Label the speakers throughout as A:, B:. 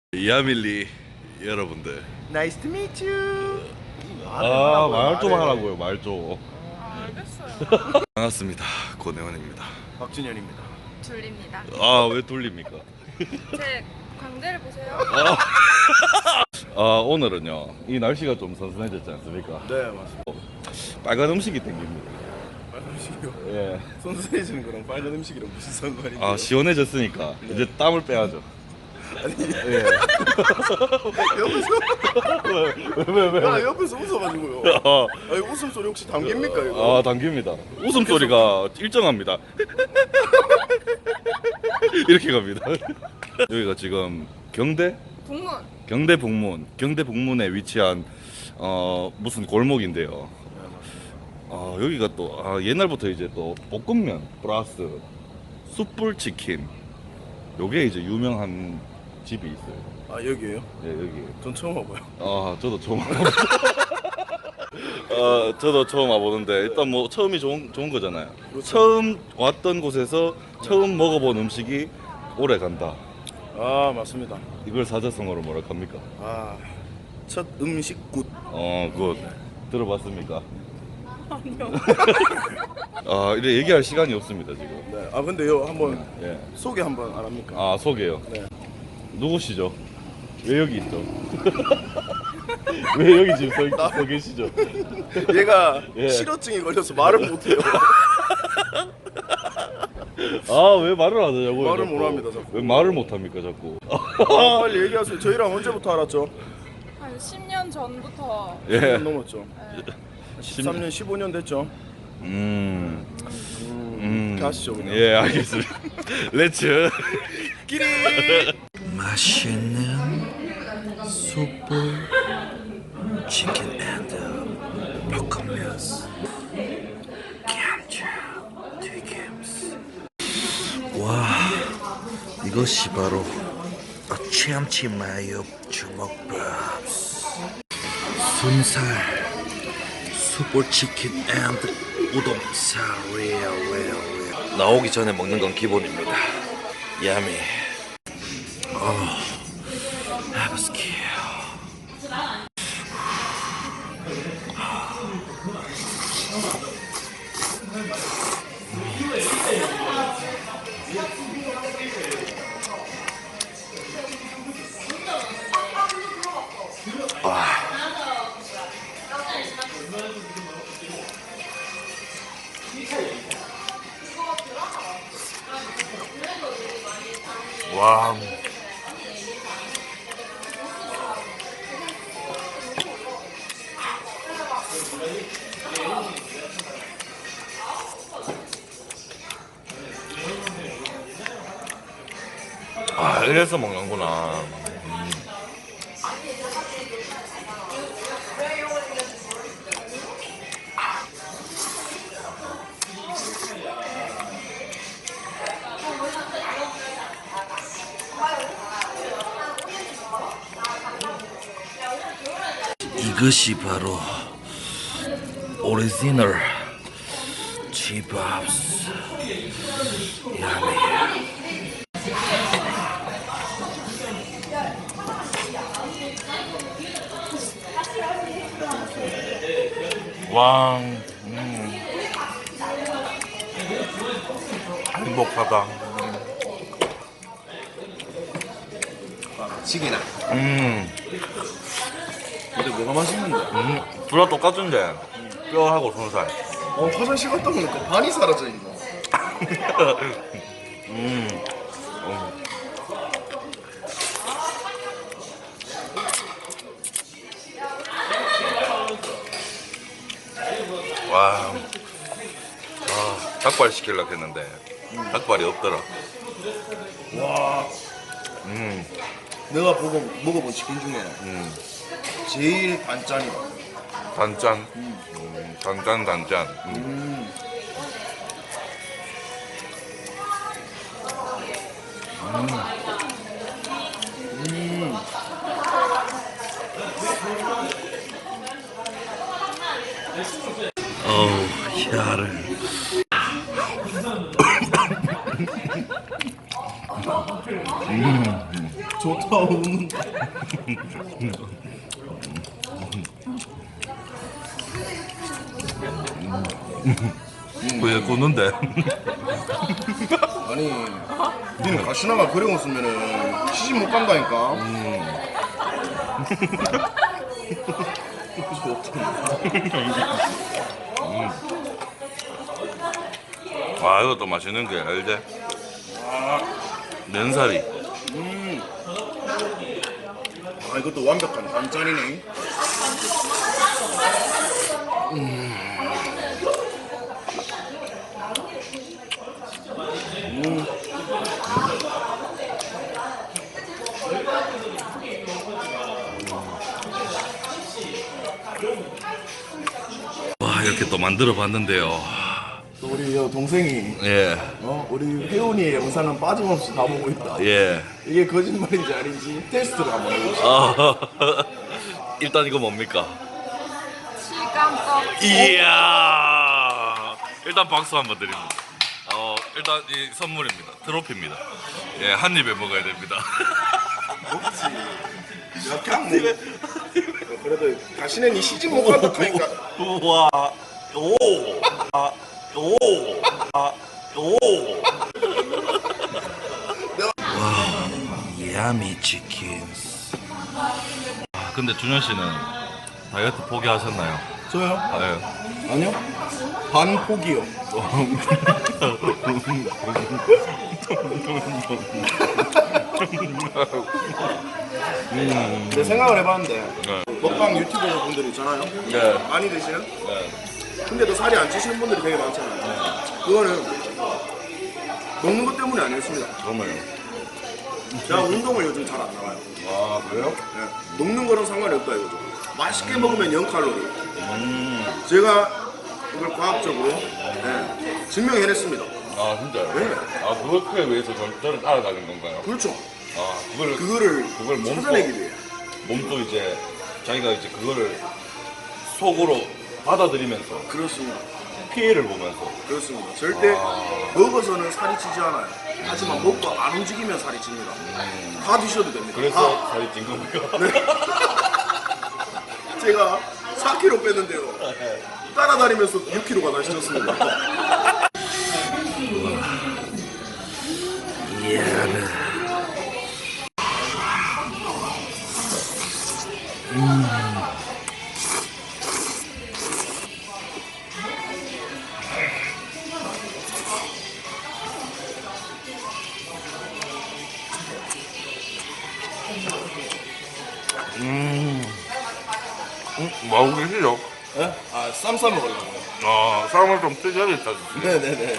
A: 이하밀리 여러분들,
B: Nice to meet you.
A: 말 좀 하라고요. 말 좀.
C: 알겠어요.
A: 반갑습니다. 고내원입니다.
B: 박준현입니다.
C: 줄립니다.
A: 왜 돌립니까?
C: 제 광대를 보세요.
A: 오늘은요, 이 날씨가 좀 선선해졌지 않습니까?
B: 네, 맞습니다.
A: 빨간 음식이 땡깁니다.
B: 빨간 음식이요?
A: 예.
B: 선선해지는 거랑 빨간 음식이랑 무슨 상관인데요?
A: 시원해졌으니까 이제 땀을 빼야죠.
B: 아니,
A: 예.
B: 옆에서 야, 옆에서 웃어가지고요. 아니, 웃음소리 혹시 담깁니까 이거?
A: 당깁니다. 웃음소리가 일정합니다. 이렇게 갑니다. 여기가 지금
C: 북문.
A: 경대 북문에 위치한 무슨 골목인데요. 여기가 또 옛날부터 이제 또 볶음면 플러스 숯불 치킨, 요게 이제 유명한 집이 있어요.
B: 아, 여기에요?
A: 예, 여기.
B: 전 처음 와봐요.
A: 저도 처음 저도 처음 와보는데, 일단 뭐 처음이 좋은 거잖아요.
B: 그렇죠.
A: 처음 왔던 곳에서 처음 먹어본 음식이 오래 간다.
B: 아, 맞습니다.
A: 이걸 사자성어로 뭐라 합니까?
B: 첫 음식 굿.
A: 굿. 들어봤습니까?
C: 아니요.
A: 이래 얘기할 시간이 없습니다 지금.
B: 네. 근데요, 한번
A: 예.
B: 소개 한번 안 합니까?
A: 소개요.
B: 네.
A: 누구시죠? 왜 여기 있죠? 왜 여기 지금 서 계시죠?
B: 얘가
A: 예.
B: 실어증이 걸려서 말을 못해요.
A: 왜 말을 안 하냐고요?
B: 말을
A: 자꾸?
B: 못 합니다, 자꾸.
A: 왜 말을 못 합니까 자꾸?
B: 빨리 얘기하세요. 저희랑 언제부터 알았죠?
C: 한 10년 전부터.
B: 10년
A: 예.
B: 넘었죠. 13년, 15년 됐죠. 가시죠, 그냥.
A: 예, 알겠습니다. 렛츠.
B: 끼리.
D: 맛있는 숯불 치킨 앤드 볶음면 감자 튀김스. 와, 이것이 바로 참치 마요 주먹밥. 순살 숯불 치킨 앤드 우동살. 나오기 전에 먹는 건 기본입니다. 야미. 해보스키. 와. 이래서 먹는구나. 이것이 바로 오리지널 집밥스. 야미. 와, 행복하다.
B: 치기나. 근데 뭐가 맛있는데?
A: 둘 다 똑같은데 뼈하고 손살.
B: 화장실 갔다 오니까 반이 사라져 있네.
A: 와, 닭발 시키려고 했는데 닭발이 없더라.
B: 와, 내가 먹어본 치킨 중에 제일 단짠이다.
A: 단짠. 단짠. 혀를.
B: 좋다.
D: 왜 굽는데?
B: 아니, 니는 가시나가 그래 없으면은 시집 못 간다니까.
D: 와 이것도 맛있는 게 알지? 면사리.
B: 아, 이것도 완벽한 반짠이네.
D: 와 이렇게 또 만들어 봤는데요.
B: 또 우리 여 동생이
D: 예,
B: 우리 혜훈이의 영상은 빠짐없이 다 보고 있다.
D: 예.
B: 이게 거짓말인지 아닌지 테스트를 한번 해보자.
D: 일단 이거 뭡니까?
C: 시간떡.
D: 이야. 일단 박수 한번 드립니다. 일단 이 선물입니다. 트로피입니다. 예, 한 입에 먹어야 됩니다.
B: 그냥 뭐 그래도 다시는 이 시집 못 간다 하니까.
D: 우와. 오. 아. 오. 아. 오. 와. 야미 치킨스. 아, 근데 준현 씨는 다이어트 포기하셨나요?
B: 저요?
D: 아, 예.
B: 아니요. 반 포기요. 내 생각을 해봤는데
D: 네.
B: 먹방 유튜버 분들 있잖아요.
D: 네.
B: 많이 드시는?
D: 네.
B: 근데도 살이 안 찌시는 분들이 되게 많잖아요. 그거는 먹는 것 때문이 아니었습니다.
D: 정말요?
B: 제가 운동을 요즘 잘 안 나가요.
D: 아, 그래요?
B: 네. 먹는 거랑 상관이 없다 이거죠. 맛있게 먹으면 0칼로리. 제가 이걸 과학적으로 증명해냈습니다.
D: 아, 진짜요?
B: 네.
D: 아, 그걸 위해서 저를 따라다닌 건가요?
B: 그렇죠.
D: 아, 그걸
B: 그거를
D: 몸소-
B: 찾아내기 위해.
D: 몸도 이제 자기가 이제 그거를 속으로 받아들이면서
B: 그렇습니다.
D: 피해를 보면서
B: 그렇습니다. 절대 먹어서는 살이 찌지 않아요. 하지만 먹고 안 움직이면 살이 찝니다. 다 드셔도 됩니다.
D: 그래서
B: 다.
D: 살이 찐 겁니까?
B: 제가 4kg 뺐는데요. 따라다니면서 6kg가 다시 쪘습니다.
D: 뭐하고 계시죠?
B: 네? 아, 쌈 싸 먹으려고요.
D: 아, 쌈을 좀 뜯어야겠다.
B: 네네네.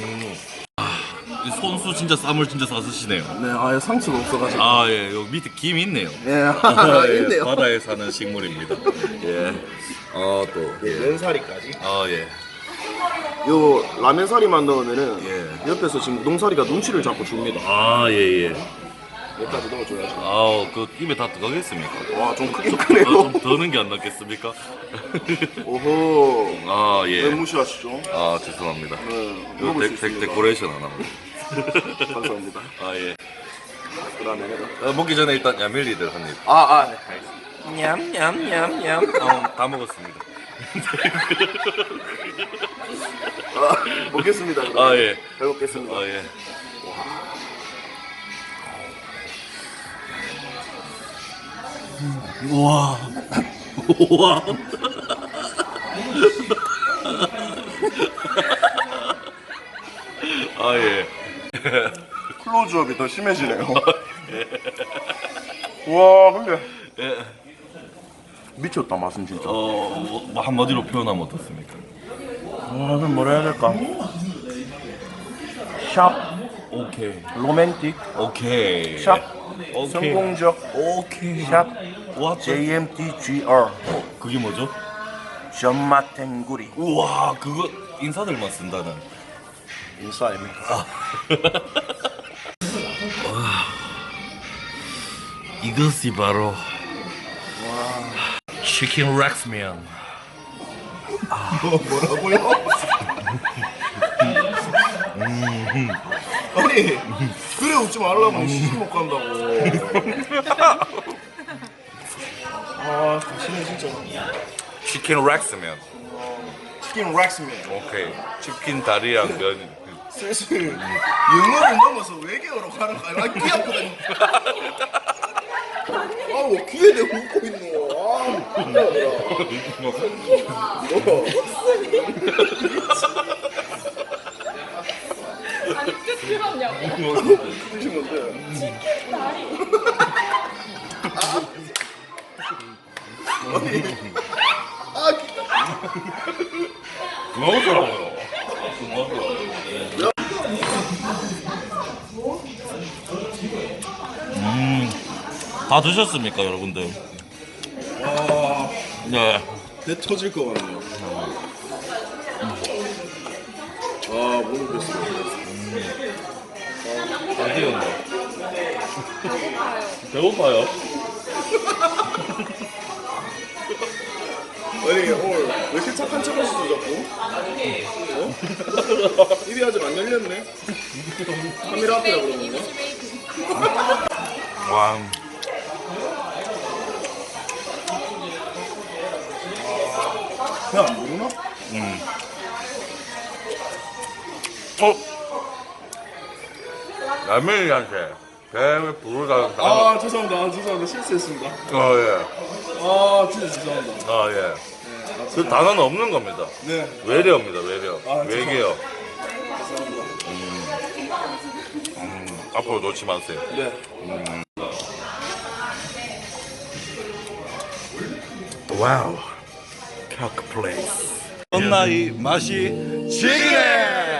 D: 이 손수 진짜 쌈을 진짜 싸쓰시네요.
B: 네, 아예 상처가 없어가지고.
D: 아, 예, 여기 밑에 김 있네요.
B: 네,
D: 예,
B: 있네요.
D: 바다에 사는 식물입니다. 예. 또.
B: 예, 면사리까지.
D: 아, 예.
B: 요 라면 사리만 넣으면은
D: 예.
B: 옆에서 지금 우동사리가 눈치를 자꾸 줍니다.
D: 아, 예, 예.
B: 여기까지 넣어줘야죠.
D: 아, 그 입에 다 들어가겠습니까?
B: 와, 좀 크긴
D: 좀
B: 크네요.
D: 더는 게 안 낫겠습니까?
B: 오호.
D: 아,
B: 왜
D: 예.
B: 무시하시죠?
D: 아, 죄송합니다.
B: 네,
D: 이거
B: 먹을 수 있습니다.
D: 데코레이션 안 합니다.
B: 감사합니다.
D: 아, 예.
B: 그다음에
D: 먹기 전에 일단 야밀리들 한 입.
B: 네.
D: 냠냠냠냠. 다 먹었습니다.
B: 먹겠습니다.
D: 아, 예.
B: 잘 먹겠습니다.
D: 아, 예. 우와. 우와. 아, 예.
B: 클로즈업이 더 심해지네요. 와, 근데
D: 예.
B: 미쳤다 맛은 진짜.
D: 뭐 한마디로 표현하면 어떻습니까?
B: 그럼 뭐라 해야 될까? 샵,
D: 오케이.
B: 로맨틱,
D: 오케이.
B: 샵,
D: 오케이.
B: 성공적,
D: 오케이.
B: 샵,
D: 와,
B: JMTGR,
D: 그게 뭐죠?
B: 전마탱구리.
D: 우와, 그거 인사들만 쓴다는.
B: 인싸 아닙니까?
D: 이것이 바로 치킨 렉스면.
B: 뭐라고요? 아니, 그래 웃지 말라고 시집 못 간다고.
D: 치킨 렉스면.
B: 치킨 락스면.
D: 오케이. 치킨 다리랑 면.
B: 슬슬 영어를 넘어서 외계어로 가는 거야. 아, 귀 아프다. 아우 귀에 대고 웃고 있노. 아,
C: 아니 끝 들었냐고.
B: 무슨 건데?
D: 먹으라고요. 다 드셨습니까, 여러분들?
B: 와,
D: 네.
B: 배 터질 것 같네요. 아, 못 먹겠어.
D: 아쉬운데.
C: 배고파요.
D: 배고파요?
B: 아니 오늘 왜 이렇게 착한 척 하시죠 자꾸? 어? 입이 아직 안 열렸네. 카메라 앞이라 그러는 거?
D: 와.
B: 그냥 안 모르나?
D: 라면이한테 뱀을 부르다.
B: 아 죄송합니다 실수했습니다.
D: 예.
B: 아 진짜 죄송합니다.
D: 아, 예. 그 단어는 없는 겁니다.
B: 네
D: 외래어입니다, 외래어.
B: 아,
D: 외계어.
B: 죄송합니다.
D: 앞으로 놓지 마세요.
B: 네.
D: 와우. 켜크 플레이스.
A: 나이 맛이 지기네.